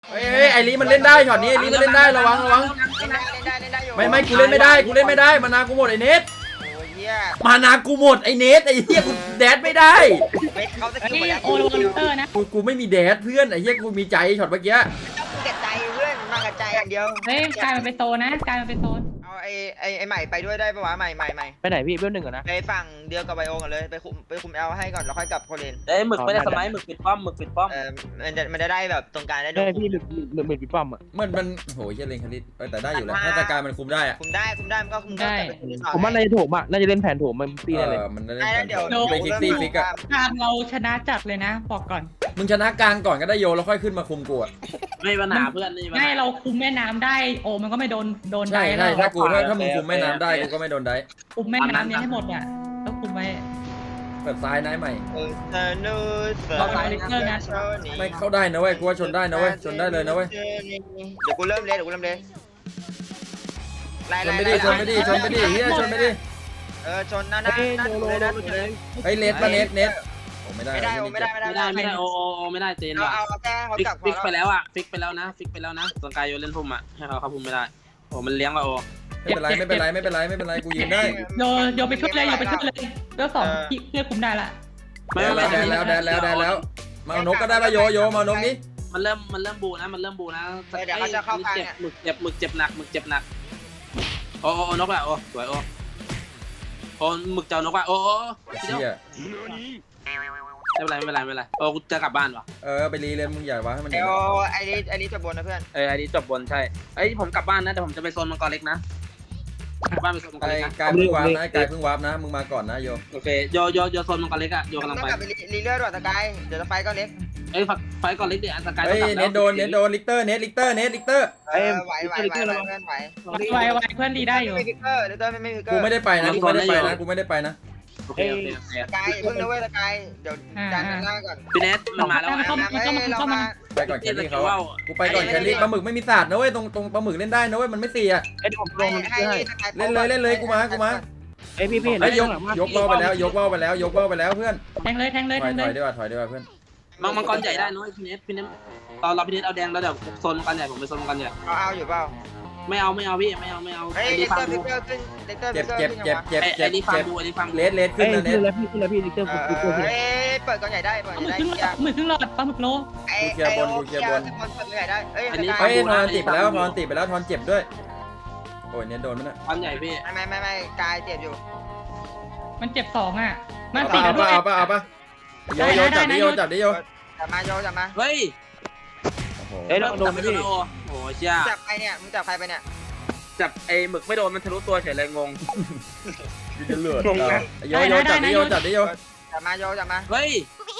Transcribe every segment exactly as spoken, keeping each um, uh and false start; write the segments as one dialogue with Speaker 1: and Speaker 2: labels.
Speaker 1: เฮ้ยไอรีมันเล่นได้ช็อตนี้ไอรีมันเล่นได้ระวังระวัง
Speaker 2: เล่นได้เล่นได้เล่นได้อยู่
Speaker 1: ไม่ไม่กูเล่นไม่ได้กูเล่นไม่ได้มานากูหมดไอเนท
Speaker 2: โอ้ยเหี้ย
Speaker 1: มานากูหมดไอเนทไอเหี้ยกูแดดไม่ได้
Speaker 2: เม็ดเขาสกิลหมด
Speaker 3: นี่
Speaker 2: แล้ว
Speaker 3: โอโรลิเตอร์นะ
Speaker 1: กูกูไม่มีแดดเพื่อนไอเหี้ยกูมีใจช็อตเมื่อกี้
Speaker 2: มึงแก่ใจเพื่อนมากับใจอย่างเดียว
Speaker 3: เฮ้ยกลายมันเป็นโซนนะกลายมันเป็นโซน
Speaker 2: เอาไอ้ไอ้ไอ้ใหม่ไปด้วยได้ปะวะใหม่ใหม่ใหม่
Speaker 4: ไปไหนพี่เบลหนึ่งอะนะ
Speaker 2: ไปฝั่งเดียวกับไบโอกันเลยไปคุมไปคุมเอลให้ก่อนแล้วค่อยกลับโคเรน
Speaker 5: เอ้ยหมึกไม่ได้สมัยหมึกปิดป้อมหมึกปิดป้อม
Speaker 2: เออมันจะมันจะได้แบบตรงกลางได้ดู
Speaker 4: ใช่พี่หนึ่งหนึ่งหมื่นปีป้อมอะ
Speaker 1: มันมันโหเหี้ยเลงคณิตแต่ได้อยู่แล้วถ้าสกายมันคุมได้อะ
Speaker 2: คุมได้คุมได้มันก็คุมได้แต่ไปคุมต่อ
Speaker 4: ผมว่าน่าจะโถมอะน่าจะเล่นแผนโถมมันตี
Speaker 1: เอ
Speaker 4: แน่เลย
Speaker 1: อมันได้
Speaker 2: ได้แล้วเดี๋ยว
Speaker 1: ไปคิกซี่ฟิกอะ
Speaker 3: ทางเราชนะจัดเลยนะบอกก่อน
Speaker 1: มึงชนะกลางก่อนก็ได้โยแล้วค่อยขึ้นมาคุมกูอะ
Speaker 5: ไม่ปัญหาเพื่อนนี่ปัญ
Speaker 3: ง่า
Speaker 5: หาย
Speaker 3: เราคุมแม่น้ำได้โอมันก็ไม่โดนโดน
Speaker 1: ใช่
Speaker 3: ได้
Speaker 1: ใช่
Speaker 3: เรา
Speaker 1: ถ้ากูถ้าถ้ามึงคุมแม่น้ำได้กูก็ไม่โดนได้
Speaker 3: คุมแม่น้ำเนี่ยให้หมดอ่ะต้องคุมไว้
Speaker 1: เปิดซ้ายนายใหม่
Speaker 2: เออเธอนูเสือ
Speaker 1: ไม่เข้าได้นะเว้ยกูว่าชนได้นะเว้ยชนได้เลยนะเว้ย
Speaker 2: เดี๋ยวกูเริ่มเลยเดี๋ยวกูเริ่มเลยไล่
Speaker 1: ชน
Speaker 2: ไล่
Speaker 1: ไปดิชนไปดิชนไปดิเฮียชนไปดิ
Speaker 2: เออชนหน้าหน้า
Speaker 4: เฮ้ย
Speaker 2: หน้า
Speaker 4: โล
Speaker 2: ดู
Speaker 4: โล
Speaker 2: เลย
Speaker 4: โล
Speaker 2: นะ
Speaker 4: โลเลย
Speaker 1: เฮ้ยเลสมาเนสเนสโอ้ไม่ได้
Speaker 2: ไม่ได้ไม่ได้ไม่ได้
Speaker 5: ไม่ได้ไม่ได้โอโอโอไม่ได้เจน
Speaker 2: เอา
Speaker 5: ว่ะ
Speaker 2: เอาแค่เขา
Speaker 5: ฟิก
Speaker 2: กลับ
Speaker 5: ฟิกไปแล้วอ่ะฟิกไปแล้วนะฟิกไปแล้วนะส่วนกายโยเล่นพุ่มอ่ะให้เขาเข้าพุ่มไม่ได้โอ้มันเลี้ยงว่ะโอ
Speaker 1: ไม่เป็นไรไม่เป็นไรไม่เป็นไรไม่เป็นไรกูยืนได้
Speaker 3: โยโยไปช่วยเลยโยไปช่วยเลยเรื่องสองที่เพื่อนคุมได้ละ
Speaker 1: แดนแล้วแดนแล้วแดนแล้วแดนแล้วมาเอานกก็ได้ป่ะโยโยมาเอานกนี้
Speaker 5: มันเริ่มมันเริ่มบูนะมันเริ่มบูนะเจ็บหมึกเจ็บหมึกเจ็บหนักหมึกเจ็บหนักโอโอนกอ่ะโอสวยโอโอหมึกเจ้านกอ่ะโอโอ
Speaker 1: เชี่ย
Speaker 5: ไม่เป็นไรไม่เป็นไรไม่เป็นไรโอ้กูจะกลับบ้านวะ
Speaker 1: เออไปรีเลยมึงอย่าว่าให้มัน
Speaker 2: เอ
Speaker 1: เห็น
Speaker 2: โอไอ้นี่ไอ้นี่จะบนนะเพื่อน
Speaker 5: เอออันนี้จบบนใช่ไอ้ผมกลับบ้านนะแต่ผมจะไปโซนมังกรเล็กนะกลับบ้านไปโซนมังกร
Speaker 1: ไอ้
Speaker 5: เล็กนะ
Speaker 1: กายเพิ่งวาร์ปนะกายเพิ่งวาร์ปนะมึงมาก่อนนะโย
Speaker 5: โอเคโยโยโยโซนมังกรเล็กอะโยกำลัง
Speaker 2: ต้อง
Speaker 5: ไป
Speaker 2: กลับไปรีเลือดด้วยสกายเดี๋ยวจะไฟก็เล็ก
Speaker 5: เอ้ยไฟก่อนเล็กเดี๋ยวสกายต้
Speaker 1: เฮ้
Speaker 5: อง
Speaker 1: ย
Speaker 5: กลับ
Speaker 1: เน
Speaker 5: แล้ว
Speaker 1: ทโดนเนทโดนลิกเตอร์เนทลิกเตอร์เนทลิกเตอร์
Speaker 2: เออไหวไหวไหวเพื่อนไหว
Speaker 3: ไวไวเพื่อนดีได้อยู่
Speaker 2: ไม่พิกเกอร์เดี๋ยวไม่ไม่พิกเกอ
Speaker 1: กู
Speaker 2: ร์
Speaker 1: ไม่ได้ไปนะกูไม่ได้ไปนะกูไม่ได้ไปนะ
Speaker 5: โอเคโอเคโอเค
Speaker 2: สกายเพิ่งนะเว้ยสกายเดี๋ยวดันหน้าก่อน
Speaker 5: พี่เนทมันมาแล้ว
Speaker 3: เข้า
Speaker 5: อะ
Speaker 3: มาเข้ามาเข้ามา
Speaker 1: ไปก่อนแคลรี่เขากูไปก่อนแคลรี่ปลาหมึกไม่มีศาสตร์นะเว้ยตรงตรงปลาหมึกเล่นได้นะเว้ยมันไม่เสีย
Speaker 4: ไอ้ที่ผมล
Speaker 2: ให้
Speaker 4: งมัน
Speaker 2: ให้
Speaker 4: ให้
Speaker 2: สกาย
Speaker 1: เล่นเลยเล่นเลยกูมากูมา
Speaker 4: ไอ้พี่พี่
Speaker 1: ไอ้ยกยกเบ้าไปแล้วยกเบ้าไปแล้วยกเบ้าไปแล้วเพื่อน
Speaker 3: แทงเลยแทงเลย
Speaker 1: ถ
Speaker 3: แท
Speaker 1: อย
Speaker 3: ง
Speaker 1: ถ
Speaker 3: เล
Speaker 1: อย
Speaker 3: ย
Speaker 1: ดีกว่าถอยดีกว่าเพื่อน
Speaker 5: มังมังกรใหญ่ได้น้อยพี่เนทพี่เนทตอนเราพี่เนทเอาแดงแล้วเดี๋ยวโซนมังกรใหญ่ผมไปโซนมังกรใหญ่
Speaker 2: เอาเอาอยู่เปล่า
Speaker 5: ไม่เอาไม่เอาพี่ไม่เอาไม่เอา
Speaker 2: เฮ้ย
Speaker 5: ไอ้
Speaker 2: เล
Speaker 5: นี่
Speaker 2: เต
Speaker 5: ฟั
Speaker 2: อง ร์พิ
Speaker 5: ดู
Speaker 2: กเกอร์ขึ้นเลเตอร์
Speaker 1: เจ็บเจ็บเจ็บเจ็บ
Speaker 5: ไอ้
Speaker 1: เจ็
Speaker 5: ไอ้
Speaker 1: บ
Speaker 5: นี่ฟัง
Speaker 1: เจ็บ
Speaker 5: ดูไอ้นี่ฟัง
Speaker 1: เลสเลส
Speaker 4: เฮ้
Speaker 1: ขึ้น
Speaker 4: ย
Speaker 1: นะเน
Speaker 4: ขึ้
Speaker 1: ท
Speaker 4: นแล้วพี่ขึ้นแล้วพี่ลิเตอร์
Speaker 2: เอ
Speaker 4: ลิเตอร์
Speaker 2: อเฮ้ยเปิดก่อนใหญ่ได้เปิด
Speaker 3: ปลาหมึ
Speaker 2: ให
Speaker 3: ก
Speaker 2: ญ่
Speaker 3: ครึ่ง
Speaker 2: ได้
Speaker 3: หมึกครึ่งหลอดปลาหมึกโล
Speaker 2: ไอ้ไอ้โอเคลียร์คนเปิดใหญ่ได้เฮ้ย
Speaker 1: เฮ้ยทอนติดไปแล้วทอนติดไปแล้วทอนเจ็บด้วยโอ้ยเนทโดนมั้ยน่ะ
Speaker 5: มังกรใหญ่พี่
Speaker 2: ไม่ไม่ไม่กายเจ็บอยู่
Speaker 3: มันเจ็บสองอ่ะมัน
Speaker 1: เอา
Speaker 3: ติด
Speaker 1: ป่ะ
Speaker 3: แล้ว
Speaker 1: เอา
Speaker 3: ด้วย
Speaker 1: ป่ะเอาป่ะเอาป่ะโยโยจับดิโยจับดิโย
Speaker 2: จับมาโยจับมา
Speaker 5: เฮ้ย
Speaker 1: โอ้โห
Speaker 4: เฮ้ยเราโดน
Speaker 5: ไม่
Speaker 4: พี่
Speaker 5: โดนโอ้โหเชี่ย
Speaker 2: จับใครเนี่ยมึงจับใครไปเนี่ย
Speaker 5: จับไอ้หมึกไม่โดนมันทะลุตัวเฉยเลยงง
Speaker 1: กูจะเลือดโยโยจับดิโยจับดิโย
Speaker 2: จับมาโยจับมา
Speaker 5: เฮ้ย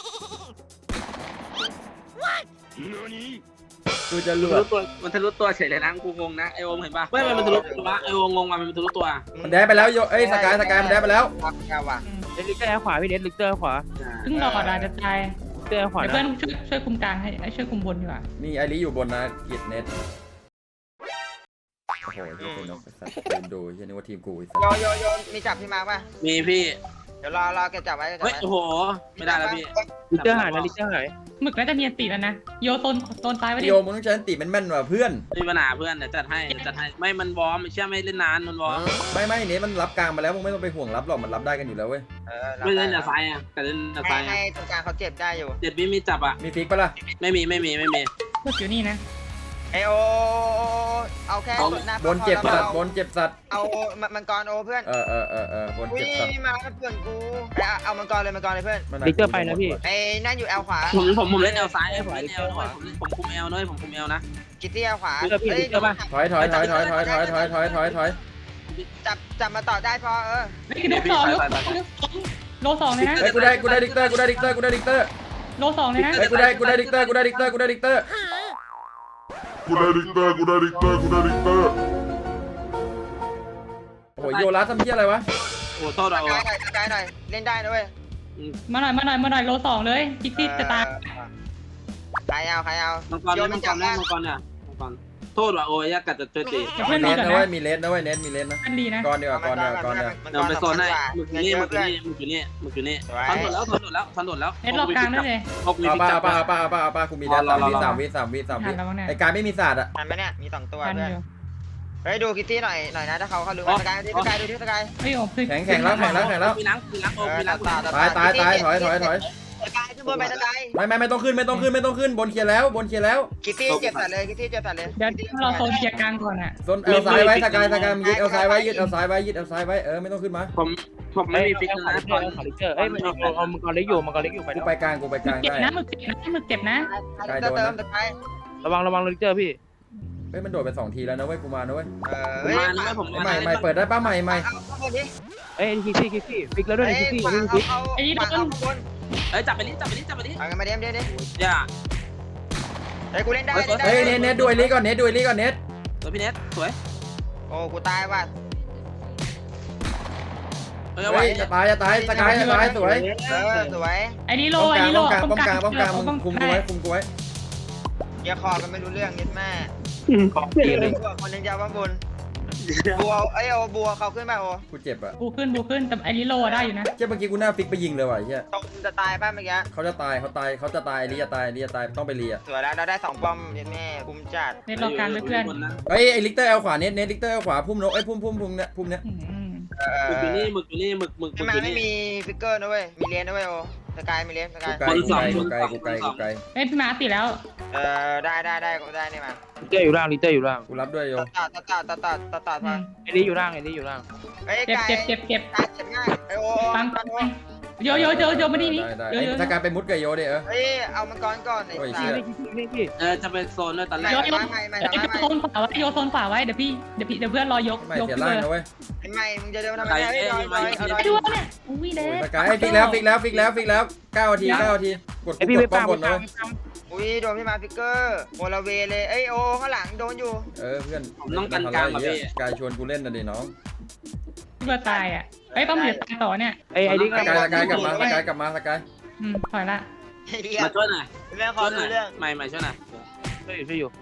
Speaker 1: กูจะ
Speaker 5: มัน
Speaker 1: เลื
Speaker 5: ทะ
Speaker 1: อ
Speaker 5: ลุ
Speaker 1: ด
Speaker 5: ตัวมันทะลุตัวเฉยเลยนะกูงงนะไอโอมเห็นปะไม่มันทะลุตัวไอโอมงงว่ะมันทะลุตัว
Speaker 1: มันแดดไปแล้วโยเอ้ยสกายสกายมันแดดไปแล้ว
Speaker 2: ครับแกว่ะ
Speaker 4: ลิเตอร์ขวาพี่เน็ตลิเตอร์ขวา
Speaker 3: ครึ่งหลอดอ่ะจะตาย
Speaker 4: ลิเตอร์ขวา
Speaker 3: เดี๋ยว
Speaker 4: นะ
Speaker 3: เพื่อนช่วยช่วยคุมกลางให้ไอ้ช่วยคุมบนดีกว่า
Speaker 1: นี่ไอริอยู่บนนะกิดเน็ตโอ้โหเฮียเป็นนกไอ้สัตว์เดินดูเฮียนึกว่าทีมกูไอ้สัต
Speaker 2: โย
Speaker 1: ว์
Speaker 2: โยโยมีจับพี่มาป่ะ
Speaker 5: มีพี่
Speaker 2: เดี๋ยวรอรอแกจับไว้จับ
Speaker 5: เฮ้ย
Speaker 2: ไว้
Speaker 5: โอ้โหไม่ได้แล้วพี่
Speaker 4: ลิเตอร์หายนะลิเตอร์หาย
Speaker 3: หมึกน่าจะมีอันติแล้วนะโยโซนโซนซ้ายไว้ดิ
Speaker 1: โยมึงต้องใช้ติแม่นๆว่ะเพื่อน
Speaker 5: ไม่มีปัญหาเพื่อนเดี๋ยวจัดให้เดี๋ยวจัดให้ไม่มันวอร์มเชื่อไม่เล่นนานมันวอร์ม
Speaker 1: ไม่ไม่เน็ตมันรับกลางมาแล้วมึงไม่ต้องไปห่วงรับหรอกมันรับได้กันอยู่แล้วเว้ย
Speaker 2: เออ
Speaker 5: ไม่เล่นแต่ซ้ายอ่ะแต่เล่นแต่
Speaker 2: ให้
Speaker 5: ซ้าย
Speaker 2: ให้ตรงกลางเขาเจ็บได้อยู่
Speaker 5: เจ็ดวิมีจับอ่ะ
Speaker 1: มีฟิกปะล่ะ
Speaker 5: ไม่มีไม่มีไม่มี
Speaker 3: พวกอยู่นี่นะ
Speaker 2: ไอโอเอาแค่สุดหน้า
Speaker 1: บนเจ็บสัตว์บนเจ็บสัตว์
Speaker 2: เอามังกรโอเพื่อน
Speaker 1: เออเออเออเออบน
Speaker 2: อุ้ย
Speaker 1: เจ็บสัตว์
Speaker 2: มาเพื่อนกูเอามังกรเลยมังกรเลยเพื่อน
Speaker 4: ลิเตอร์ไปนะพี่
Speaker 2: ไอ้นั่นอยู่แอลขวา
Speaker 5: ผมผมผมเล่นแอลซ้ายผมเล่นแอลด้วยผมผมคุมแอลด้วยผมคุมแอลนะ
Speaker 2: คิตตี้แอลขวา
Speaker 1: ถอยถอยถอยถอยถอยถอยถอยถอยถอยถอย
Speaker 2: จับจับมาต่อได้พอเออ
Speaker 3: ไม่กินโลสองโลสองเลยนะ
Speaker 1: เฮ้ยกูได้กูได้ดิกเตอร์กูได้ดิกเตอร์กูได้ดิกเตอร์
Speaker 3: โลสองเลยนะ
Speaker 1: เฮ้ยกูได้กูได้ดิกเตอร์กูได้ดิกเตอร์กูได้ดิกเตอร์
Speaker 6: กูได้ดิกเตอร์กูได้ดิกเตอร์กูได้ดิกเตอร์
Speaker 1: โอ้โหโยรัสทำเพี้ยอะไรวะ
Speaker 5: โอ้โทษ
Speaker 2: ส
Speaker 5: เรา
Speaker 2: กายหน่อยสกายหน่อยเล่นได้นะเว้ย
Speaker 3: มาหน่อยมาหน่อยมาหน่อยโลสองเลยคิกซี่จะตาย
Speaker 2: ใครเอาใครเอา
Speaker 5: มังกรมังกรนะมังกรเนี่ยมังกก่อนโทษว่ะโอ้ยยากกัดจะช่วยตี
Speaker 3: เดี๋ยวเพื่
Speaker 1: มี
Speaker 3: อน
Speaker 1: เล
Speaker 3: ดี
Speaker 1: ส
Speaker 3: ก่อน
Speaker 1: นะ
Speaker 3: นะ
Speaker 1: เว้ยมีเลสนะเว้ยเน็ตมีเลสนะ
Speaker 3: เพื่อนดีนะ
Speaker 1: ก่อนเดียวก่อนเดียวก่อนเดียว
Speaker 5: เดี๋ยวไปโซนให้มึกอยู่นี่มึกอยู่นี่มึกอยู่นี่มึกอยู่นี่ทันโดดแล้วทันโดดแล้วทันโดดแล้ว
Speaker 3: เน็ตรอบกลางด้วยเลย
Speaker 5: พกวี
Speaker 1: เอา
Speaker 5: พิ
Speaker 1: ป้า
Speaker 5: จั
Speaker 1: เอา
Speaker 5: บ
Speaker 1: ป้าเอาป้าเอาป้าเอาป้ากูมีเลสสามวิสามวิสามวิสามวิ
Speaker 3: ทันแล้วมั้งเนี่ย
Speaker 1: ไอ้การไม่มีศาสตร์อ่ะ
Speaker 2: ทันไหมเนี่ยมีสองตัว
Speaker 3: ทัน
Speaker 2: เพื่อน
Speaker 3: อยู่
Speaker 2: เฮ้ยดูคิตตี้หน่อยหน่อยนะถ้าเขาเขาลืมสกายที่สกายดูที่สกาย
Speaker 3: เฮ้ยโอ้คือ
Speaker 1: แข็งแข็งแล้วแข็งแล้วแข็งแล้ว
Speaker 5: มีล้างมีล้างโอ้มีล้าง
Speaker 1: ตายตายตายถอยถอยถอย
Speaker 2: สกายขึ้นบนไปสกาย
Speaker 1: ไม่ไม่ไม่ต้องขึ้นไม่ต้องขึ้นไม่ต้องขึ้นบนเคลียร์แล้วบนเคลียร์แล้ว
Speaker 2: คิตตี้เจ็บสัตว์เลยคิตตี้เจ็บสัตว์เลย
Speaker 3: เดี๋ยวเราโซนเคลียร์กลางก่อนอ่ะ
Speaker 1: โซนเอาซ้ายไว้สกายสกายยึดเอาซ้ายไว้ยึดเอาซ้ายไว้ยึดเอาซ้ายไว้เออไม่ต้องขึ้นมา
Speaker 5: ผมผมไม่
Speaker 4: เอ้ย
Speaker 5: มีฟิก
Speaker 4: เอา
Speaker 5: นะ
Speaker 4: ขวาลิเตอร์เอาขวาลิเตอร์เอ้ยมันเอาเอาเอามังกรเล็กอยู่มังกรเล็กอยู่ไป
Speaker 1: กู
Speaker 4: แล้ว
Speaker 1: ไปกลางกูไปกลาง
Speaker 3: เจ็บ
Speaker 1: ได้
Speaker 3: นะมึกเจ็บนะมึกเจ็บนะ
Speaker 2: เติมสกาย
Speaker 4: ระวังระวังลิเตอร์พี่
Speaker 1: เฮ้ยมันโดดไปสองทีแล้วนะเว้ยกูมานะเว้ย
Speaker 2: เออเฮ้ย
Speaker 5: มานะผม
Speaker 1: ใหม่ใหม่เปิดได้ป้าใหม่ใหม่
Speaker 2: เอาข้างบนดิ
Speaker 4: เอ้ยคิกซี่คิกซี่ฟิกแล้วด้วยนะคิกซี่
Speaker 2: เอา
Speaker 4: ไม่มี
Speaker 2: เอา
Speaker 4: ฟิก
Speaker 2: เอาเอาข้างบน
Speaker 5: เอ้ยจับไปดิจับไปดิจับไปดิ
Speaker 2: เอากันมาเดี๋ยวเดี๋ยวเดี๋ยว
Speaker 5: อย่า
Speaker 2: เฮ้ยกูเล่นได้
Speaker 1: เฮ้ยเน็ตเน็ตดูไอ้ลี่ก่อนเน็ตดูไอ้ลี่ก่อนเน็ต
Speaker 5: ตัวพี่เน็ตสวย
Speaker 2: โอ้กูตายว่ะ
Speaker 5: เอ้ยไหว
Speaker 1: เฮ้ยจะตายจะตายสกายจะตายสวย
Speaker 2: เออสวย
Speaker 3: ไอ้นี่โล
Speaker 1: ป้อง
Speaker 3: ไอ้
Speaker 1: กลาง
Speaker 3: นี่โล
Speaker 1: ป้องกลางป้องกลางป้องกลางมึงคุมกูไว้คุมกูไว้
Speaker 2: เกียร์คอกันไม่รู้เรื่องนิดแม่
Speaker 4: ของพี่เลย
Speaker 2: คนนึงยาวข้างบนบัวเอ้ยโอบัวเขาขึ้นมาโอ
Speaker 1: กูเจ็บอ่ะ
Speaker 3: บูขึ้นบูขึ้นแต่ไอ้นี่โลได้อยู่นะ
Speaker 1: เจ็บเมื่อกี้กูหน้าฟิกไปยิงเลยว่ะไอ้เหี้ย
Speaker 2: ตรงจะตายป่ะเมื่อกี้
Speaker 1: เขาจะตายเขาตายเขาจะตายไอ้ลี่จะตายไอ้ลี่จะตายต้องไปเลีย
Speaker 2: สวยแล้วเราได้สองป้อมนิดแม่คุ้มจัด
Speaker 3: เน็ตรอบกลางด้วยเพื่อน
Speaker 1: เฮ้ยไอ้ลิกเตอร์เอาขวาเน็ตเน็ตลิกเตอร์เอาขวาพุ่มนกไอ้พุ่มพุ่มพุ่มเนี่ยพุ่มเนี่ย
Speaker 3: อืม
Speaker 2: เอ
Speaker 5: หมึกอยู่นี่
Speaker 2: อ
Speaker 5: หมึกอยู่นี่หมึกหมึกหมึ
Speaker 2: ไม่
Speaker 5: ก
Speaker 2: มา
Speaker 5: อยู่
Speaker 2: ไม่
Speaker 5: นี่
Speaker 2: มีฟิกเกอร์นะเว้ยมีเลนนะเว้ยโอสกายมีเลนสกาย
Speaker 1: กูไกลกูไกลกูไกลกูไกลกูไกล
Speaker 3: เฮ้ยพี่มาติดแล้ว
Speaker 2: เออได้ได้ได้ก็ได้นี่มา
Speaker 4: ลิเตอร์อยู่ล่างลิเตอร์อยู่ล่าง
Speaker 1: กูรับด้วยโย
Speaker 2: ตัดตัดตัดตัดตัดตัดตัด
Speaker 3: อื
Speaker 2: มาม
Speaker 4: ไอ้นี่อยู่ล่างไอ้นี่อยู่ล่าง
Speaker 2: เฮ้ย
Speaker 3: เจ็บ
Speaker 2: กาย
Speaker 3: เจ็บเจ็บเจ็บ
Speaker 2: กายเจ็บง่ายไอโอ
Speaker 3: ปังปังปังโยโยโยโยมาดินี่
Speaker 1: ได้ได้
Speaker 3: โยโย
Speaker 1: ถ้าการไปมุดกับโยเด้เออ
Speaker 2: เฮ้ยเอามังกรก่อนไอ้
Speaker 1: โอ้ย
Speaker 2: สา
Speaker 1: เชี่
Speaker 2: ย
Speaker 1: ย
Speaker 4: คิกซี่คิกซี่
Speaker 5: เออจะเป็นโซนด้วยตอนแร
Speaker 2: ไม่
Speaker 5: ก
Speaker 2: ไม่ไม่ไม่
Speaker 3: ไอ้
Speaker 2: ไม่
Speaker 3: โยโซนขวาไว้โยโซนขวาไว้เดี๋ยวพี่เดี๋ยวพี่เดี๋ยวเพื่อนรอยก
Speaker 1: ไม่
Speaker 3: ยก
Speaker 1: เสีย
Speaker 3: พี่
Speaker 1: ร่าง
Speaker 3: เลย
Speaker 1: นะเว้ย
Speaker 2: ไม่มึงจะเดินทำไมไม่ลอยลอยเอาลอย
Speaker 3: ไอ้ดูเนี่ยอุ้ยเด็
Speaker 1: โอ้ยสกายไอ้ฟิกแล้วฟิกแล้วฟิกแล้วฟิกแล้วเก้านาทีเก้านาทีกด
Speaker 4: ไอ้
Speaker 1: ก
Speaker 4: พี่
Speaker 1: ด
Speaker 4: ไม่
Speaker 1: ป้อ
Speaker 4: ปั
Speaker 1: ม
Speaker 4: ง
Speaker 1: บ
Speaker 4: ไม่
Speaker 1: น
Speaker 4: ปั
Speaker 1: นะ
Speaker 4: ง
Speaker 1: เว้ย
Speaker 4: ไม่ปัง
Speaker 2: อุ้ยโดนพี่มาฟิกเกอร์โมลาเวเลยเอ้ยโอข้างหลังโดนอยู่
Speaker 1: เออเพื่อน
Speaker 5: ผมต้องกันกลางกับพี่
Speaker 1: กายชวนกูเล่นนะดิน้อง
Speaker 3: เพื่อตายอ่ะไอ้ป้อมเหลือตายต่อเนี่ย
Speaker 4: ไอ้ไอ้นี่
Speaker 1: ส
Speaker 4: ก็
Speaker 1: กายสกายกลับมาสกายกลับมาสกาย
Speaker 3: อืมถอยละ
Speaker 2: เรีย
Speaker 5: มาช่วยหน่อย
Speaker 2: เรื่องค
Speaker 5: ช่
Speaker 2: อ
Speaker 5: วยหน่
Speaker 2: รู้
Speaker 5: อย
Speaker 2: เรื่อง
Speaker 5: ใหม่ใหม่ช่วยหน่อย
Speaker 4: ช่วยอยู่ช่วยอยู่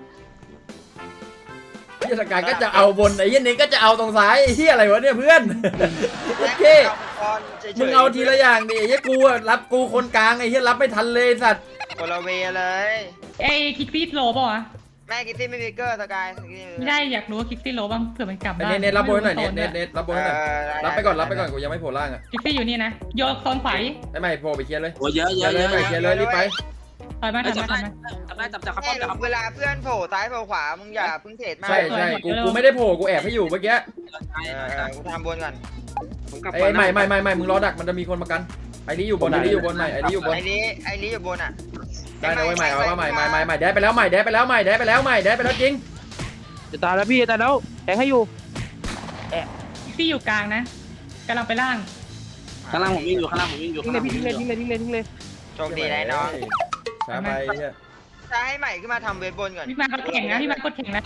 Speaker 1: เฮียสกายก็จะเอาบนไอ้เฮียนี่ก็จะเอาตรงซ้ายไอ้เฮียอะไรวะเนี่ยเพื่อนโอเคมึงเอาทีละอย่างดิไอ้เฮียกูอะรับกูคนกลางไอ้เฮียรับไม่ทันเลยไอ้สัตว์
Speaker 2: โมลาเวเลย
Speaker 3: ไอ้คิกซี่โลป่ะวะ
Speaker 2: แม่กิตตี้ไม่ฟิกเกอร์สกาย
Speaker 3: ไม่ได้อยากรู้ว่าคิกซี่โลบ้างเผื่อมันกลับ
Speaker 1: ไอ้
Speaker 3: ได้
Speaker 1: เน็ตเน็ตรับบนหน่อยเน็ตเน็ตเน็ตรับบนหน่อยรับไปก่อนรับไปก่อนกูยังไม่โผล่ล่างอ่ะ
Speaker 3: คิกซี่อยู่นี่นะโยโซนขวา
Speaker 1: ไอ้ไม่โผล่ไปเคลียร์เลย
Speaker 5: โอ้เยอะ
Speaker 1: เค
Speaker 5: เย
Speaker 1: ลีย
Speaker 5: อะ
Speaker 1: ร์
Speaker 5: เย
Speaker 1: เลย
Speaker 5: อะ
Speaker 1: ไปเคลียร์เลยรีบไป
Speaker 3: ถอยมาถอย
Speaker 5: จั
Speaker 3: มา
Speaker 5: บ
Speaker 3: ถ
Speaker 5: ได้
Speaker 3: อยมา
Speaker 5: จับได้จับจับข้าว
Speaker 2: แม่
Speaker 5: ป้อมจับข้าวป้อม
Speaker 2: เวลาเพื่อนโผล่ซ้ายโผล่ขวามึงอย่าเพิ่งเทรดมาก
Speaker 1: ใช่ใช่กูกูไม่ได้โผล่กูแอบให้อยู่เมื่อกี้
Speaker 2: กูทำบนก่อน
Speaker 5: ผมกลับ
Speaker 1: ไอ้ใหม่ใหม่ใหม่ใหม่มึงรอดักมันจะมีคนมากันไอ้นี่อยู่บนไอ้นี่อยู่บนใหม่ไอ้นี่อยู่บน
Speaker 2: ไอ้นี้ไอ้นี้อยู่บนอ่ะ
Speaker 1: ได้นะเว้ยใหม่เอาว่าใหม่ใหม่ใหม่ใหม่แดดไปแล้วใหม่แดดไปแล้วใหม่แดดไปแล้วใหม่แดดไปแล้วจริง
Speaker 4: จะตายแล้วพี่จะตายแล้วแทงให้อยู่
Speaker 3: คิกซี่อยู่กลางนะกำลังไปล่าง
Speaker 5: ข้างล่างผมวิ่งอยู่ข้างล่างผมวิ่งอยู่
Speaker 4: ทิ้
Speaker 5: ข้าง ง
Speaker 4: เล
Speaker 5: ล่าย งผม
Speaker 4: พี่
Speaker 5: วิ่
Speaker 4: ทิ้
Speaker 5: ง
Speaker 4: ง
Speaker 5: อ
Speaker 4: เลย
Speaker 5: ยู่
Speaker 4: ทิ้งเลยทิ้งเลยทิ้งเลย
Speaker 2: โชคดีนะน้อง
Speaker 1: ช้าไปเฮีย
Speaker 2: จะให้ใหม่ขึ้นมาทำเวทบนก่อน
Speaker 3: พี่มากดแข่งนะพี่มากดแข่งแล้ว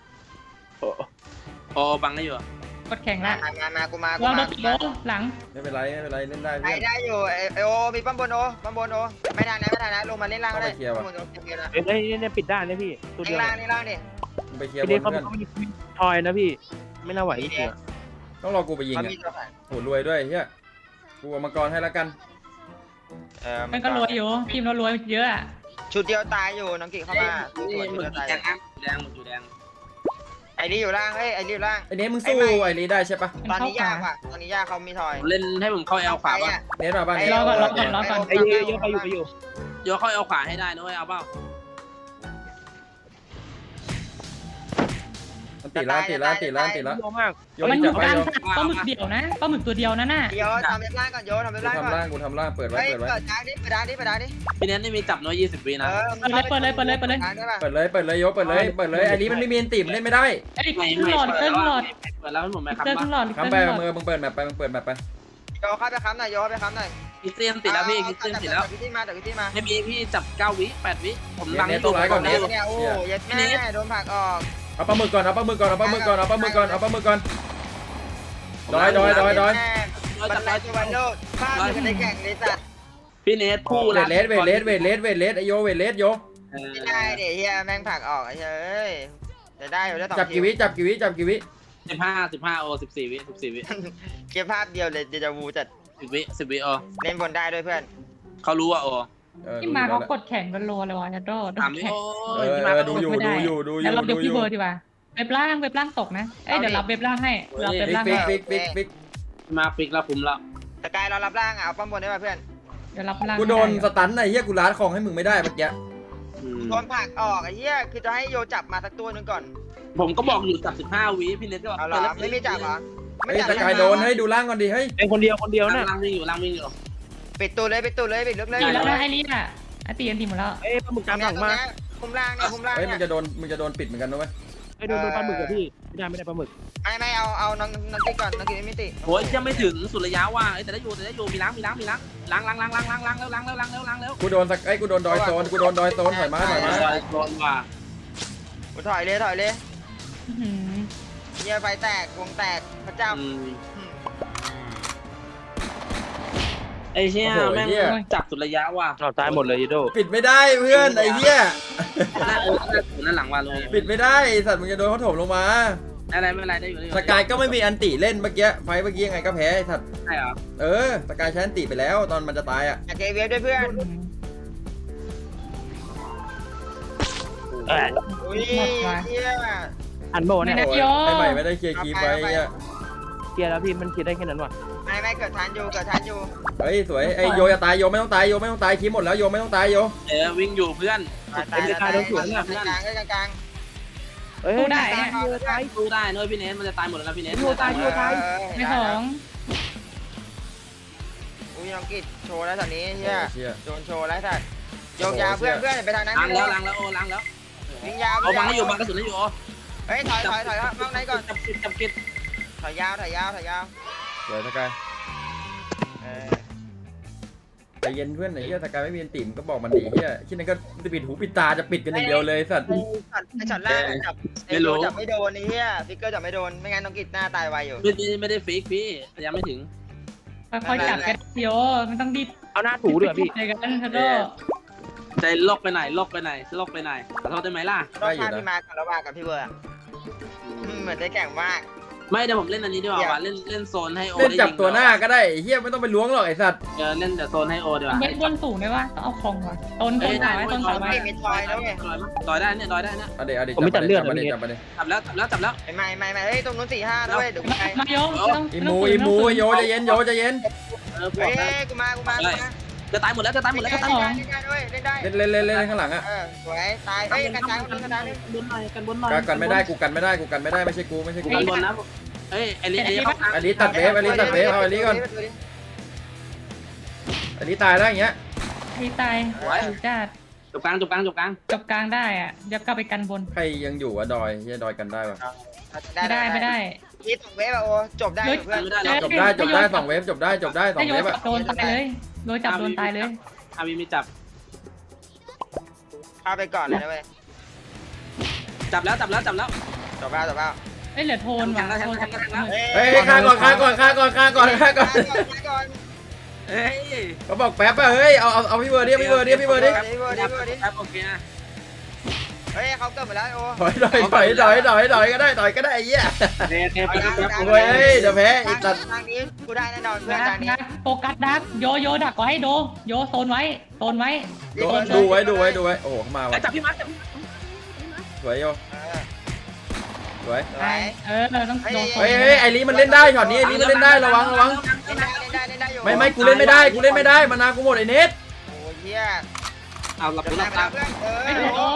Speaker 5: โอ้บังได้อยู่
Speaker 3: กดแข่งแล้ว
Speaker 2: มามามากูมากู
Speaker 3: วางโด
Speaker 2: มาน
Speaker 3: ติโลหลัง
Speaker 1: ไม่เป็นไรไม่เป็นไรเล่นได้
Speaker 2: ไอ้
Speaker 1: เพื่อน
Speaker 2: ได้อยู่ไอโอมีปั๊มบนโอปั๊มบนโอไม่ทันนะไม่ทันนะลงมาเล่นล่างก็ได้ปั๊มบนโอเกียร์นะ
Speaker 4: เอ้ยเอ้ยเนี่ยปิดได้นะพี่ตัวเดี
Speaker 2: เล่
Speaker 4: ย
Speaker 2: น
Speaker 4: ว
Speaker 2: ล่างเล่นล่างดิ
Speaker 1: มึงไปเคลียร์
Speaker 4: พี่
Speaker 1: บ
Speaker 4: เด็ก
Speaker 1: น
Speaker 4: เขา
Speaker 1: เพื่อน
Speaker 4: เขามีทอยนะพี่ไม่น่าไหวจริง
Speaker 1: ต้องรอกูไปยิง
Speaker 2: เขา
Speaker 1: อ่ะ
Speaker 2: มีตัวไหน
Speaker 1: โหรวยด้วยเฮียกูเอามังกรให้แล้วกัน
Speaker 2: เออ
Speaker 3: มันก็รวยอยู่ทีมเรารวยเยอะอะ
Speaker 2: ชุดเดียวตายอยู่น้องกิ่งเข้ามาส
Speaker 5: นี่
Speaker 2: วย
Speaker 5: ห
Speaker 2: ชุ
Speaker 5: มึ
Speaker 2: ด
Speaker 5: ก
Speaker 2: เดียวตาย
Speaker 5: แดงอ่ะแดงหมึกอยู่แดง
Speaker 2: ไอ้นี่อยู่ล่างเฮ้ยไอ้นี่อยู่ล่าง
Speaker 1: ไอ้เนทมึงสู้ไอ้ลีได้ใช่ปะ
Speaker 2: ตอนนี้ยากว่ะตอนนี้ยากเขามีทอย
Speaker 5: เล่นให้ผมเข้าเอลขวาป่ะ
Speaker 1: เนทมาบ้าน
Speaker 3: รอก่อนรอก่อนรอก่อน
Speaker 4: ไอ้เยอะเยอะไปอยู่ไปอยู่
Speaker 5: โยเข้าเอลขวาให้ได้นะเว้ยเอาเปล่า
Speaker 1: ตีล้านตีล้านตีล้านตีล้าน
Speaker 4: เยอะมาก
Speaker 1: โย
Speaker 3: มัน
Speaker 1: น
Speaker 3: อ
Speaker 1: จั
Speaker 3: ยู่
Speaker 1: บ
Speaker 3: ก
Speaker 1: ไว้
Speaker 3: ลาง
Speaker 1: โย
Speaker 3: สนามปลาหมึกเดี่ยวนะปลาหมึกตัวเดียวนั่นน่ะ
Speaker 2: เดี๋ยวทำเว็บล่างก่อนโยทำเว็บ
Speaker 1: กู
Speaker 2: ล่างก่อน
Speaker 1: ทำล่างกูทำล่างเปิดไว้
Speaker 2: เฮ้ย
Speaker 1: เปิดไว้
Speaker 2: เปิดดาร์ดิเปิดดาร์ดิเปิดดาร์ดิ
Speaker 5: พี่เน้นนี่มีจับน้อยยี่สิบวินะ
Speaker 2: เออ
Speaker 3: เปิดเลยเปิดเลยเปิดเลยเปิดเลย
Speaker 2: ได้ป่ะ
Speaker 1: เปิดเลยเปิดเลยโยเปิดเลยเปิดเลยไอ้ลีมันไม่มีอันตีมันเล่นไม่ได้
Speaker 3: ไอ้
Speaker 5: ไม่
Speaker 3: ครึ่ง
Speaker 5: ไม่
Speaker 3: หลอด
Speaker 5: เปิ
Speaker 3: ค
Speaker 5: ด
Speaker 3: รึ่ง
Speaker 5: แล้ว
Speaker 3: หลอด
Speaker 5: เปิดแล้วให้ผมไป
Speaker 3: เติม
Speaker 5: คำ
Speaker 3: ครึ่งหล
Speaker 5: ป่ะ
Speaker 3: อด
Speaker 1: ค้ำไปมือมึงเปิดแมปไปมึงเปิดแมปไป
Speaker 2: โยเข้าไปค้ำหน่อยโยเข้าไปค้ำหน่อย
Speaker 5: คิดเตียนติดแล้วพี่คิดเตียนติดแล้ว
Speaker 2: คิตตี้มาแต่คิตตี้มา
Speaker 5: ให้พี่พี่จับเก้าวิแปดวิผมบัง
Speaker 2: เนี่ยโอ้ยัดแม่โดนผักออก
Speaker 1: เอาปลาหมึกก่อนเอาปลาหมึกก่อนเอาปลาหมึกก่อนเอาปลาหมึกก่อนเอาปลาหมึกก่อนดอยดอยดอยดอย
Speaker 5: ร้อย
Speaker 2: บั
Speaker 5: จั
Speaker 2: น
Speaker 5: บ
Speaker 2: ได
Speaker 5: ร้อย
Speaker 2: ตัววันโลดฟาดกันในแข่งเลยสัตว์
Speaker 5: พี่เนทคู่
Speaker 1: เวทเลสเวทเลสเวทเลสเวทเลสไอโยเวทเลสโย
Speaker 5: เอ
Speaker 2: ไม่ได้เดี๋ยวเฮียแม่งผลักออกไอ้เฮ้ยจะได้อยู่ได้สอง
Speaker 1: จับกี่วิจับกี่วิจับกี่วิ
Speaker 5: สิบห้าสิบห้าโอสิบสี่วิสิบสี่วิ
Speaker 2: เก็บภาพเดียวเลยเดจาวูจัด
Speaker 5: สิบวิสิบวิโอ
Speaker 2: เล่นบนได้ด้วยเพื่อน
Speaker 5: เขารู้ว่าโอ
Speaker 1: เออ
Speaker 3: ที่มาเขากดแข่งกันรัวเลยวะจะโดด
Speaker 5: ถามไม่
Speaker 3: แข่ง
Speaker 5: โอ้
Speaker 1: เอย อ
Speaker 5: พี่
Speaker 1: เอ
Speaker 5: มา
Speaker 1: อ
Speaker 5: ก็
Speaker 1: ดู
Speaker 5: รู้
Speaker 1: อยู่ดูอยู่ดูอ
Speaker 3: แล้ว
Speaker 1: ยู่
Speaker 3: เราเดี๋
Speaker 1: ดู
Speaker 3: ยว
Speaker 1: อ
Speaker 3: พี่
Speaker 1: ยู่
Speaker 3: เบอร์ดีกว่าเว็บล่างเว็บล่างตกนะเอ้ยเดี๋ยวรับเว็บล่างให้รับเว็บ
Speaker 1: ฟิก
Speaker 3: ล่าง
Speaker 1: ฟิก
Speaker 3: ให้
Speaker 1: ฟิกฟิกฟิก
Speaker 5: พี่มาฟิกแล้วคุ้มแล้ว
Speaker 2: สกายเรารับร่างอ่ะเอาป้อมบนได้ป่ะเพื่อน
Speaker 3: เดี๋ยวรับล่าง
Speaker 1: กูโดนสตันไอ้เหี้ยกูล้าของให้มึงไม่ได้เมื่อกี้
Speaker 5: อืม
Speaker 2: โดนผลักออกไอ้เหี้ยคือจะให้โยจับมาสักตัวหนึงก่อน
Speaker 5: ผมก็บอกอยู่จับสิบห้าวิพี่เน็ตก็บอก
Speaker 2: เอาเหรอไม่มีจับเหรอไม่
Speaker 1: เฮ้ย
Speaker 2: จับ
Speaker 1: สกายโดนให้ดูล่างก่อนดิเฮ้ย
Speaker 4: เป็นคนเดียวคนเดียว
Speaker 5: ล่า
Speaker 4: นะ
Speaker 5: งล่างวิ่งอยู่ล่างวิ่งอยู่
Speaker 2: ปิดตัวเลยปิดตัวเลยปิดลึกเลย
Speaker 3: ตีแล้วนะไอรีน่ะไอตีอันตีหมดแล้ว
Speaker 4: เอ้ยปลาหมึกตาม
Speaker 2: เนี่
Speaker 4: ห
Speaker 2: ย
Speaker 4: ลัง
Speaker 2: ตรง
Speaker 4: มา
Speaker 2: เนี้ยคุมล่างเนี่ยคุมล่าง
Speaker 1: เฮ้ยมึ
Speaker 2: เนี่
Speaker 1: ง
Speaker 2: ย
Speaker 1: จะโดนมึงจะโดนปิดเหมือนกันนะเว้ย
Speaker 4: ไอ้ยโดนโดนปลาหมึกกับพี่ไม่ได้ไม่ได้ปลาหมึก
Speaker 2: ไม่ไม่เอาเอาน้องน้องติ๊กก่อนน้องติ๊กไม่ติ
Speaker 5: โอ้ยยังไม่ถึงสุดระยะว่าแต่ได้อยู่แต่ได้อยู่มีล้างมีล้างมีล้างล้างล้างล้างล้างล้างล้างแล้วล้างแล้วล้างแล้วล้างแล้ว
Speaker 1: กูโดนสักไอ้ยกูโดนดอยโซนกูโดนดอยโซนถอยมาถอยมา
Speaker 5: โดนว่ะ
Speaker 2: กูถอยเลยถอยเลย
Speaker 3: อื้อหือ
Speaker 2: เหี้ยไฟแตกวงแตกพระเจ้า
Speaker 5: อืม
Speaker 2: อืม
Speaker 5: ไอ้เชี่ยแม่งจับสุดระยะว่ะ
Speaker 4: เราตายหมดเลยยีโด
Speaker 1: ปิดไม่ได้เพื่อนไอ้เหี้ย
Speaker 5: หน้าโอ้หน้าหลังว่าเลย
Speaker 1: ปิดไม่ได้ไอ้สัตว์มึงจะโดนเขาถมลงมา
Speaker 5: อะไรไม่อะไรได้อยู่ได้อยู่
Speaker 1: สกายก็ไม่มีอันติเล่นเมื่อกี้ไฟเมื่อกี้ยังไงก็แพ้ไอ้สัตว์
Speaker 5: ใช่เหรอ
Speaker 1: เออสกายใช้อันติไปแล้วตอนมันจะตายอ่ะ
Speaker 2: อยากเจเวฟด้วยเพื่อน
Speaker 4: เอ้ย
Speaker 2: อุ้ยเหี้ย
Speaker 4: อันโบเนี่ย
Speaker 1: โอ้ยไอ้ใหม่ไม่ได้เคลียร์คีย์ไปไอ้เหี้ย
Speaker 4: เคลียร์แล้วพี่มันเคลียร์ได้แค่นั้นว่ะ
Speaker 2: ไม่ไม่เกิดทันอยู่เกิดทันอยู่
Speaker 1: เฮ้ยสวยไอ้โยจะตายโยไม่ต้องตายโยไม่ต้องตายคีย์หมดแล้วโยไม่ต้องตายโย
Speaker 5: เออวิ่งอยู่เพื่อน
Speaker 2: ตายตายตายกลางกลางกลาง
Speaker 4: เอ้ย
Speaker 3: สู้ได้
Speaker 4: ตาย
Speaker 3: เนี่ย
Speaker 4: เยอะตาย
Speaker 5: สู้ได้เนอะพี่เนทมันจะตายหมดแล้วนะพี่เนท
Speaker 4: โยตายโยตาย
Speaker 3: ไม่สอง
Speaker 2: อุ้ยน้องกิดโชว์แล้วตอนนี้เฮีย
Speaker 1: เชี่ย
Speaker 2: โดนโชว์แล้วสัตว์โยกยาเพื่อนเพื่อนไปทางนั้น
Speaker 5: ล้างแล้วล้างแล้วโอ้ล้างแล้ว
Speaker 2: วิ่งยาว
Speaker 5: เอาบังให้อยู่บังกระสุนให้อยู่โอ้
Speaker 2: เฮ้ยถอยถอยถอยมองไหนก่อน
Speaker 5: จับปิดจับปิด
Speaker 2: ถอยยาวถอยยาวถอยยาว
Speaker 1: สวยสกาย
Speaker 2: เออ
Speaker 1: ใจเย็นเพื่อนไอ้เหี้ยสกายไม่มีอันติมก็บอกมันดีเหี้ยที่นั่นก็ปิดหูปิดตาจะปิดกันอย่างเดียวเลยสัตว์
Speaker 2: ไอ้ช็อตล่างจับไอ้โยจับไม่โดนไอ้เฮียฟิกเกอร์จับไม่โดนไม่งั้นน้องกิดหน้าตายไวอยู่
Speaker 5: พี่ไม่ได้ฟิกพี่ยังไม่ถึง
Speaker 3: ค่อยๆจับกันโยมันต้องรีบ
Speaker 4: เอาหน้าถูด้วยพี่
Speaker 3: ใจกันเถอะโด
Speaker 5: ใจลอกไปไหนลอกไปไหนลอกไปไหนขอโทษได้ไหมล่ะ
Speaker 2: ต้องฆ่าพี่มาร์คระหว่างกับพี่เบอร์เหมือนได้แข่งมาก
Speaker 5: ไม่เดี๋ยวผมเล่นอันนี้ดีกว่าว่ะเล่นเล่นโซนให้โอ
Speaker 1: เล่นจับตัวหน้าก็ได้ไอ้เหี้ยไม่ต้องไปล้วงหรอกไอ้สัตว์
Speaker 5: เออเล่นแต่โซนให้โอดีกว่า
Speaker 3: เว็บบนสูงได้ว่าต้องเอาคองว่ะต้นต้นสาวไว้ต้นสาวไว้
Speaker 2: ไม่มีทอยแล้วไง
Speaker 5: ต่อยได้เนี่ยต่อยได้เนี่ย
Speaker 1: เอาเดี๋ยวเอาเดี๋ยวจับมาเดี๋ยวจับมาเดี๋ยวจับมาเดี๋ยว
Speaker 5: จับแล้วจับแล้วจับแล้ว
Speaker 2: ไม่ไม่ไม่เฮ้ยตรงนู้นสี่ห้าด้วยเดี๋ยวกูไป
Speaker 3: มาโยต้อง
Speaker 1: อีมูอีมูโยใจเย็นโยใจเย็น
Speaker 5: เออปว
Speaker 2: เฮ้
Speaker 5: ด
Speaker 2: ย
Speaker 5: แล้ว
Speaker 2: กูมากูมากูมา
Speaker 5: จะตายหมดแล้วจะตายหมดแล้วจะตายหมด
Speaker 2: เล่นได้ด้วยเล่นได้
Speaker 1: เล่นเล่นเล่นเล่นข้างหลังอ่ะ
Speaker 2: เออสวยตายเฮ้ยกระจายกระจาย
Speaker 5: บนหน่อยกันบนหน่อย
Speaker 1: กันกันไม่ได้กูกันไม่ได้กูกันไม่ได้ไม่ใช่กูไม่ใช่กู
Speaker 5: กันบนนะเอ้ยไอรีไอรีเข้ากลาง
Speaker 1: อลิตัดเวฟอลิตัดเวฟเอาอลิก่อนอลิตายแล้วอย่างเงี้ย
Speaker 3: มีตายจัด
Speaker 5: จบกลางจบกลางจบกลาง
Speaker 3: จบกลางได้อ่ะเดี๋ยวกลับไปกันบน
Speaker 1: ใครยังอยู่อะดอยเฮียดอยกันได้ปะ
Speaker 3: ไม่ได้ไม่ได้
Speaker 2: ยี่สองเวฟอะโอจบได้เพื่อน
Speaker 5: ไม่ได้แล้ว
Speaker 1: จบได้จบได้สองเวฟจบได้จบได้สอ
Speaker 3: ถ้าง โย
Speaker 1: เวฟ
Speaker 3: จั
Speaker 1: อะ
Speaker 3: บโดนตายเลยโยจับโดนตายเลย
Speaker 5: อาวีมีจับ
Speaker 2: เข้าไปก่อนเลยนะเว้ย
Speaker 5: จับแล้วจับแล้วจับแล้ว
Speaker 2: จบแล้วจบแล้ว
Speaker 3: เอ้ยเหลือโทนว่ะโทน
Speaker 1: เฮ้ยฆ่าก่อนฆ่าก่อนฆ่าก่อนฆ่าก่อนฆ่าก่อน
Speaker 2: ก่อน
Speaker 5: เฮ้ย
Speaker 1: เขาบอกแป๊บอะเฮ้ยเอาเอาเอาพี่เบิร์ดดิพี่เบิร์ดดิพี่เบิร์ดดิ
Speaker 5: ครับโอเคนะ
Speaker 2: เฮ้ยเขาเกิดมาแล้วโอ้
Speaker 1: ถอยถอยถอยถอยถอยถอยก็ได้ถอยก็ได้ไอ้เหี้ย
Speaker 5: โอเคโอเคไปครับ
Speaker 1: โอ้ยเดี๋ยวแพ้อีกตัด
Speaker 2: ทางนี้กูได้แน่นอนเพื่อน
Speaker 3: ดั
Speaker 2: ทาก งนี้
Speaker 3: ดักโฟกัสดักโยโยดักไว้โดโยโซนไว้โซนไว้
Speaker 1: ดูไว้ดูไว้ดูไว้โอ้โหเข้ามา
Speaker 5: ไอ้
Speaker 1: ว่ะ
Speaker 5: จับพี่มาร์คจับ
Speaker 1: สวยโยสวย
Speaker 2: ไหน
Speaker 3: เออต้องโยโซน
Speaker 1: เฮ้ยเฮ้ยไอรีมันเล่นได้ช็อตนี้ไอรีมันเล่นได้ระวังระวัง
Speaker 2: เล่นได้เล่นได้เล่นได้อยู่
Speaker 1: ไม่ไม่กูเล่นไม่ได้กูเล่นไม่ได้มานากูหมดไอเน็ต
Speaker 2: โอ้ยเหี้ย
Speaker 5: เอาหลับ
Speaker 2: จบ
Speaker 5: ห
Speaker 2: ได้
Speaker 5: ลับ
Speaker 2: ไป
Speaker 5: ตา
Speaker 2: แล้วเพื่อนเออ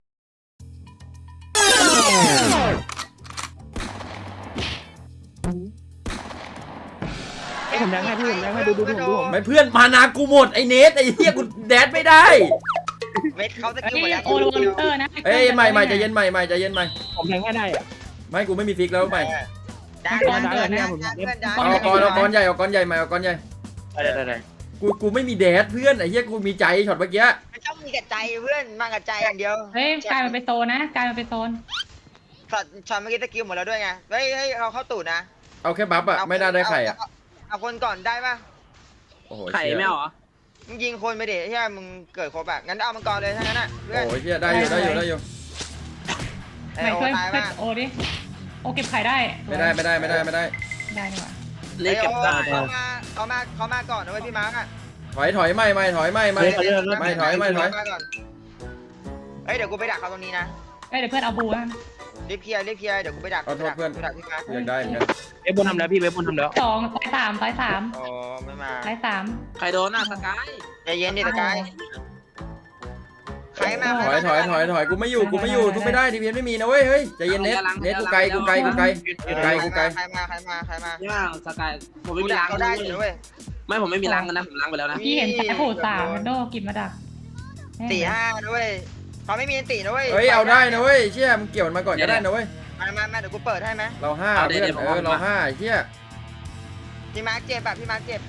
Speaker 4: ไอ้ผมแดงให้พี่ผมแดงให้ดูดูดูดูผม
Speaker 1: ไม่เพื่อนมานากูหมดไอเน็ตไอเหี้ยกูแดดไม่ได้
Speaker 2: เวทเขาสกิล
Speaker 3: เฮ้ย
Speaker 2: หมดแล้ว
Speaker 3: โอโรเตอร์นะ
Speaker 1: เอ้ยใหม่ใหม่ใจเย็นใหม่ใหม่ใจเย็นใหม่
Speaker 4: ผมแทงให้ได้อะ
Speaker 1: ไม่กูไม่มีฟิกแล้วใหม่
Speaker 2: ดังดังดังดังเพื่อนดัง
Speaker 1: เอาก้อนเอาก้อนใหญ่เอาก้อนใหญ่ใหม่เอาก้อนใหญ่
Speaker 4: ได้ได้ได้
Speaker 1: กูกูไม่มีแดดเพื่อนไอ้เหี้ยกูมีใจช็อตเมื่อกี้
Speaker 2: ไม่ต้องมีกับใจเพื่อนมากับใจอย่างเดียว
Speaker 3: เฮ้ยกลายมาเป็นโซนนะกลายมาเป็นโซน
Speaker 2: ช็อตช็อตเมื่อกี้สกิลหมดแล้วด้วยไงเฮ้ยเฮ้ยเราเข้าตูดนะ
Speaker 1: เอาแค่บัฟอะไม่น่าได้ไข่อะ
Speaker 2: เอาคนก่อนได้ป่ะ
Speaker 1: โอ้โห
Speaker 5: ไข่ไม่เอาเหรอ
Speaker 2: มึงยิงคนไปเดี๋ยวที่มึงเกิดครบอะงั้นเอามังกรเลยถ้างั้นอะเพื่อน
Speaker 1: โอ้ยเฮียได้อยู่ได้อยู่ได้อยู่
Speaker 2: ไอ้
Speaker 3: ไม่
Speaker 2: โอ
Speaker 3: ช่วย
Speaker 2: ตาย
Speaker 3: ช่วย
Speaker 2: มาก
Speaker 3: โอดิโอเก็บไข่ได้
Speaker 1: ไม่ได้ไม่ได้ไม่ได้ไม่ได้
Speaker 3: ได้นี่หว่า
Speaker 5: เล่
Speaker 2: ไอ้
Speaker 5: เก็บ
Speaker 2: โอ
Speaker 5: ได้
Speaker 2: เขามาเขามาเขามาก่อนนะเว้ยพี่มาร์กอะ
Speaker 1: ถอยถอยไม่ไม่ถอยไม่ไม่ ไม่ถอยไม่ถอย
Speaker 2: มาก่อนเฮ้ยเดี๋ยวกูไปดักเขาตรงนี้นะ
Speaker 3: เอ้ยเดี๋ยวเพื่อนเอาบูนะ
Speaker 2: รีบเคลียร์รีบเคลียร์เดี๋ยวกูไปดัก
Speaker 1: ขอโทษเพื่อน
Speaker 2: ไปดักพี่มาร์ก
Speaker 1: อยากได้เหมือนกัน
Speaker 4: เว็บบนทำแล้วพี่เว็บบนทำแล้ว
Speaker 3: สองร้อยสามร้อยสาม
Speaker 2: โอ้ไม่มา
Speaker 3: ร้อยสาม
Speaker 5: ใครโดนอ่ะสกาย
Speaker 2: ใจเย็นดิตะกายใครมา
Speaker 1: ถอยถอยถอยถอยกูไม่อยู่กูไม่อยู่ทุกไม่ได้ทีพีไม่มีนะเว้ยเฮ้ยใจเย็นเน็ตเน็ตกูไกลกูไกลกูไกลกูไกลกูไกล
Speaker 2: ใครมาใครมาใครมา
Speaker 5: ย่างสกายผมไม่
Speaker 2: กู
Speaker 5: มี
Speaker 2: ดั
Speaker 5: ล้าก ง
Speaker 2: เขาได้อยู่เว้ย
Speaker 5: ไม่ผมไม่มีล้างกันนะผมล้างไปแล้วนะ
Speaker 3: พี่เห็นแค่โผล่สามโดกิบมาดัก
Speaker 2: สี่ห้าด้วยเขาไม่มีอันตีนะเว้ย
Speaker 1: เฮ้ยเอาได้นะเว้ยเชี่ยมึงเกี่ยวมันมาก่อนก็ได้นะเว้ย
Speaker 2: มามามาเดี๋ยวกูเปิดให้ไหม
Speaker 1: เราห้าเพื่อนเออเราห้าเชี่ย
Speaker 2: พี่มาร์กเจ็บแบบพี่มาร์กเจ็บ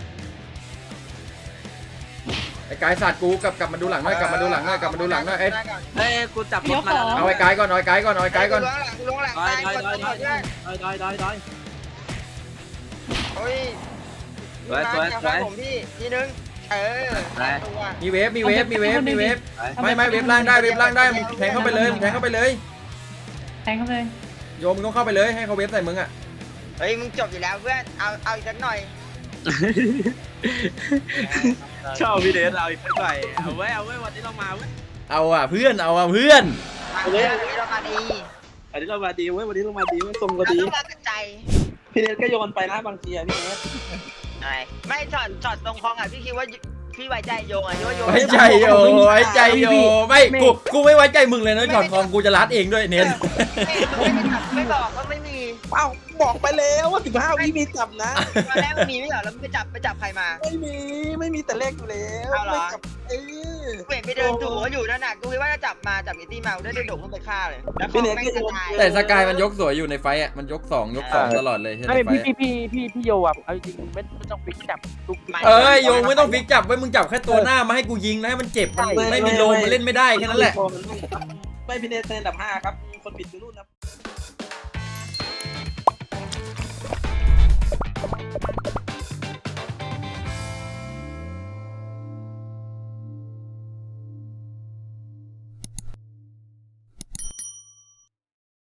Speaker 1: ไอ้กายสัตว์กูกลับกลับมาดูหลังหน่อยกลับมาดูหลังหน่อยกลับมาดูหลังหน่อยเอ้ย
Speaker 5: เฮ้ยกูจับรถมาแล้ว
Speaker 1: เอาไอ้กายก่อนเอาไอ้กายก่อนเอาไอ้กายก่อน
Speaker 2: กูล้วงหลังกูล้วงหลัง
Speaker 5: ดอย
Speaker 2: ตาย
Speaker 5: ดอย
Speaker 2: กด
Speaker 5: ดอย
Speaker 2: กดด้วย
Speaker 5: ดอยดอยดอยดอย
Speaker 2: โอ้ย
Speaker 5: สวยสวยสวย
Speaker 2: ผมพี่ทีนึงเออตัว
Speaker 1: มีเวฟมีเวฟมีเวฟมีเวฟไม่ไม่เวฟล่างได้เวฟล่างได้มึงแทงเข้าไปเลยมึงแทงเข้าไปเลย
Speaker 3: แทงเข้าเลย
Speaker 1: โยมมึงต้องเข้าไปเลยให้เขาเวฟใส่มึงอ่ะ
Speaker 2: เฮ้ยมึงจบอยู่แล้วเพื่อนเอาเอาอีกสักหน่อย
Speaker 5: ชอบพี่เดชเอาอีกสักหน่อยเอาไว้เอาไว้วันนี้เรามาเว้ย
Speaker 1: เอาอ่ะเพื่อนเอาอ่ะเพื่อน
Speaker 2: มาเพื่อนเรามาดี
Speaker 5: วันนี้เรามาดีเว้ยวันนี้เรามาดีเว้ยทรงก็
Speaker 2: เรา
Speaker 5: ดี
Speaker 2: ต้องรับใจ
Speaker 5: พี่เดชก็โยนไปนะบางทีอะพี่เดช
Speaker 2: อะไรไม่ช็อตช็อตตรงคลองอ่ะพี่คิดว่าพี่ไว้ใจโยงอ่ะคิดว่าโยง
Speaker 1: ไว้ใจโยไว้ใจโยไม่กูกูไม่ไว้ใจมึงเลยนะช็อตทองกูจะรัดเองด้วยเน้น
Speaker 2: ไม่ไม่จับไม่บอกว่าไม่มี
Speaker 5: เอ้าบอกไปแล้วว่าสิบห้าวิมีจับนะ
Speaker 2: ตอนแรกมันมีไม่เหรอแล้วมึงไปจับไปจับใครมา
Speaker 5: ไม่มีไม่มีแต่เลขอยู่แล้ว
Speaker 2: เอาเหรอ
Speaker 5: ไม่จับเออ
Speaker 2: กูเห็นไปเดินดูเขาอยู่นั่นน่ะกูคิดว่าจะจับมาจับไอ้ตี้มาได้เดินโดดขึ้นไปฆ่าเลยแล้วเขาไม่กระจาย
Speaker 1: แต่สกายมันยกสวยอยู่ในไฟอ่ะมันยกสองยกสองตลอดเลยใช่ไหม
Speaker 4: ไม่
Speaker 1: ไฟ
Speaker 4: พี่พี่พี่พี่โยอ่ะเอาจริงไม่ไม่ต้องฟิกจับทุก
Speaker 1: เอ้ยโยงไม่ต้องฟิกจับไว้มึงจับแค่ตัวหน้ามาให้กูยิงนะให้มันเจ็บมันไม่มีโลมันเล่นไม่ได้แค่นั้นแหละ
Speaker 5: ไม่พี่เดชเป็นอันดับห้าครับคนปิดอยู่นู่นนะ